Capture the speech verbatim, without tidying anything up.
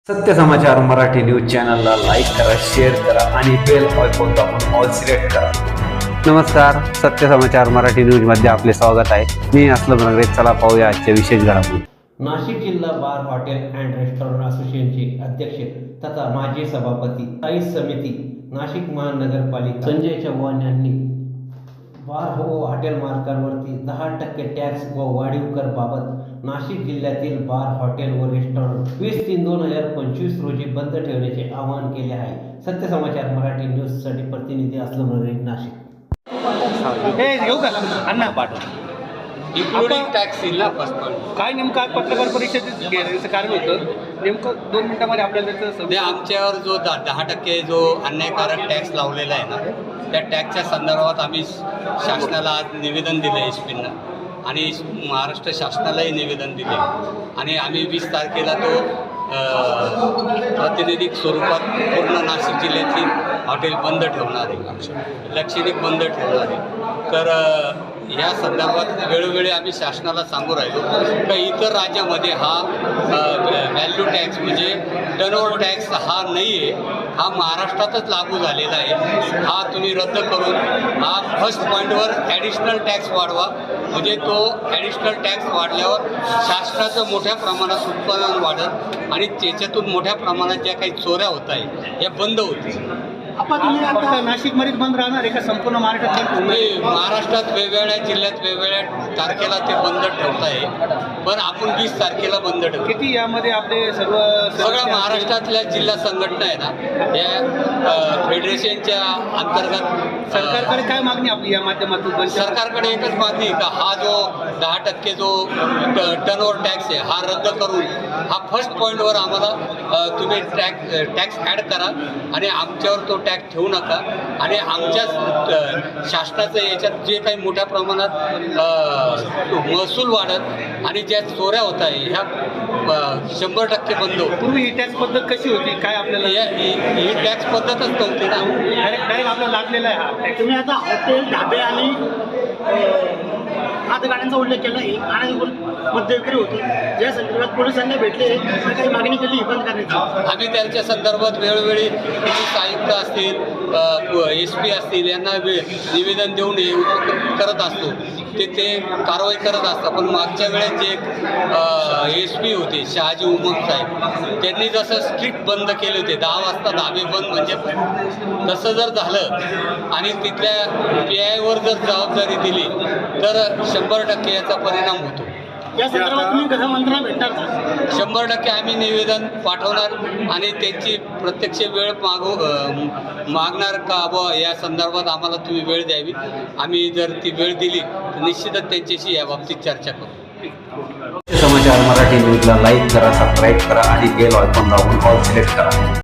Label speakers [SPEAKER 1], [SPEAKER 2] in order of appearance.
[SPEAKER 1] सत्य समाचार मराठी न्यूज चॅनलला लाईक करा, शेअर करा आणि बेल आयकॉन दाबून ऑल सिलेक्ट करा. नमस्कार, सत्य समाचार मराठी न्यूज मध्ये आपले स्वागत आहे. मी असलम नगरे. चला पाहूया आजच्या विशेष घडामोडी.
[SPEAKER 2] नाशिक जिल्हा बार हॉटेल अँड रेस्टॉरंट असोसिएशनचे अध्यक्ष तथा माजी सभापती स्थायी समिती नाशिक महानगरपालिका संजय चव्हाण यांनी बार व हॉटेल मालकांवरती दहा टक्के टॅक्स व वाढीव कर बाबत नाशिक जिल्ह्यातील बार हॉटेल व रेस्टॉरंट वीस तीन दोन हजार पंचवीस रोजी बंद ठेवण्याचे आवाहन केले आहे. सत्य समाचार मराठी न्यूज साठी प्रतिनिधी असलम नगरे, नाशिक.
[SPEAKER 3] घेऊ का अण्णा पाठव
[SPEAKER 4] इन्क्लुडिंग टॅक्स इन
[SPEAKER 3] काय नेमकं आज पत्रकार परिषदेत घेण्याचं कारण होतं नेमकं दोन मिनिटांमध्ये आपल्याला त्याचं
[SPEAKER 4] ते आमच्यावर जो दा दहा टक्के जो अन्यायकारक टॅक्स लावलेला आहे ना, त्या टॅक्सच्या संदर्भात आम्ही शासनाला आज निवेदन दिलं एस पीनं आणि महाराष्ट्र शासनालाही निवेदन दिले आणि आम्ही वीस तारखेला तो प्रातिनिधिक स्वरूपात पूर्ण नाशिक जिल्ह्यातील हॉटेल बंद ठेवणार आहे, लक्षणिक बंद ठेवणार आहे. तर या संदर्भात वेळोवेळी आम्ही शासनाला सांगू राहिलो का इतर राज्यामध्ये हा व्हॅल्यू टॅक्स म्हणजे टर्नओव्हर टॅक्स हा नाही आहे, हा महाराष्ट्रातच लागू झालेला आहे. हा तुम्ही रद्द करून हा फर्स्ट पॉईंटवर ॲडिशनल टॅक्स वाढवा, म्हणजे तो ॲडिशनल टॅक्स वाढल्यावर शासनाचं मोठ्या प्रमाणात उत्पादन वाढत आणि त्याच्यातून मोठ्या प्रमाणात ज्या काही चोऱ्या होत आहे या बंद होतील.
[SPEAKER 3] आपण तुम्ही आता नाशिकमध्येच बंद राहणार आहे का संपूर्ण महाराष्ट्रात बंद होणार आहे?
[SPEAKER 4] महाराष्ट्रात वेगवेगळ्या जिल्ह्यात वेगवेगळ्या तारखेला ते बंद ठेवत आहे, पण आपण वीस तारखेला बंद ठेवतो.
[SPEAKER 3] किती यामध्ये आपले सर्व
[SPEAKER 4] सगळ्या महाराष्ट्रातल्या जिल्हा संघटना आहे ना, या फेडरेशनच्या अंतर्गत
[SPEAKER 3] सरकारकडे काय मागणी आपली या माध्यमातून?
[SPEAKER 4] सरकारकडे एकच मागणी का हा जो दहा टक्के जो टर्नओव्हर टॅक्स आहे हा रद्द करून हा फर्स्ट पॉईंटवर आम्हाला तुम्ही टॅक्स टॅक्स ॲड करा आणि आमच्यावर तो टॅक्स ठेवू नका आणि आमच्या शासनाचं याच्यात जे काही मोठ्या प्रमाणात महसूल वाढत आणि ज्या चोऱ्या होत आहे ह्या शंभर टक्के बंद होत.
[SPEAKER 3] पूर्वी ही टॅक्स पद्धत कशी होती काय आपल्याला?
[SPEAKER 4] ही टॅक्स पद्धतच नव्हती ना,
[SPEAKER 3] डायरेक्ट डायरेक्ट आपल्याला लागलेला आहे हा टॅक्स.
[SPEAKER 5] तुम्ही आता हॉटेल ढाबे आणि हातगाड्यांचा उल्लेख केला आहे आणि मद्य विक्री होती, ज्या संदर्भात पोलिसांना भेटले काही मागणी केली ही बंद करण्याची.
[SPEAKER 4] आम्ही त्यांच्या संदर्भात वेळोवेळी पोलीस आयुक्त असतील, एस पी असतील यांना निवेदन देऊन हे करत असतो, ते ते कारवाई करत असतात. पण मागच्या वेळेस जे एस पी होते शहाजी उमम साहेब, त्यांनी जसं स्ट्रिक्ट बंद केले होते दहा वाजता धाबे बंद म्हणजे तसं जर झालं आणि तिथल्या पी आयवर जर जबाबदारी दिली तर शंभर टक्के याचा परिणाम होतो.
[SPEAKER 5] या संदर्भात तुम्ही गृहमंत्र्यांना भेटणार का?
[SPEAKER 4] शंभर टक्के आम्ही निवेदन पाठवणार आणि त्यांची प्रत्यक्ष वेळ मागू मागणार का बुवा या संदर्भात आम्हाला तुम्ही वेळ द्यावी. आम्ही जर ती वेळ दिली तर निश्चितच त्यांच्याशी या बाबतीत चर्चा करू.
[SPEAKER 1] सत्य समाचार मराठी न्यूजला लाईक करा, सबस्क्राईब करा आणि बेल आयकॉन दाबून ऑल सिलेक्ट करा.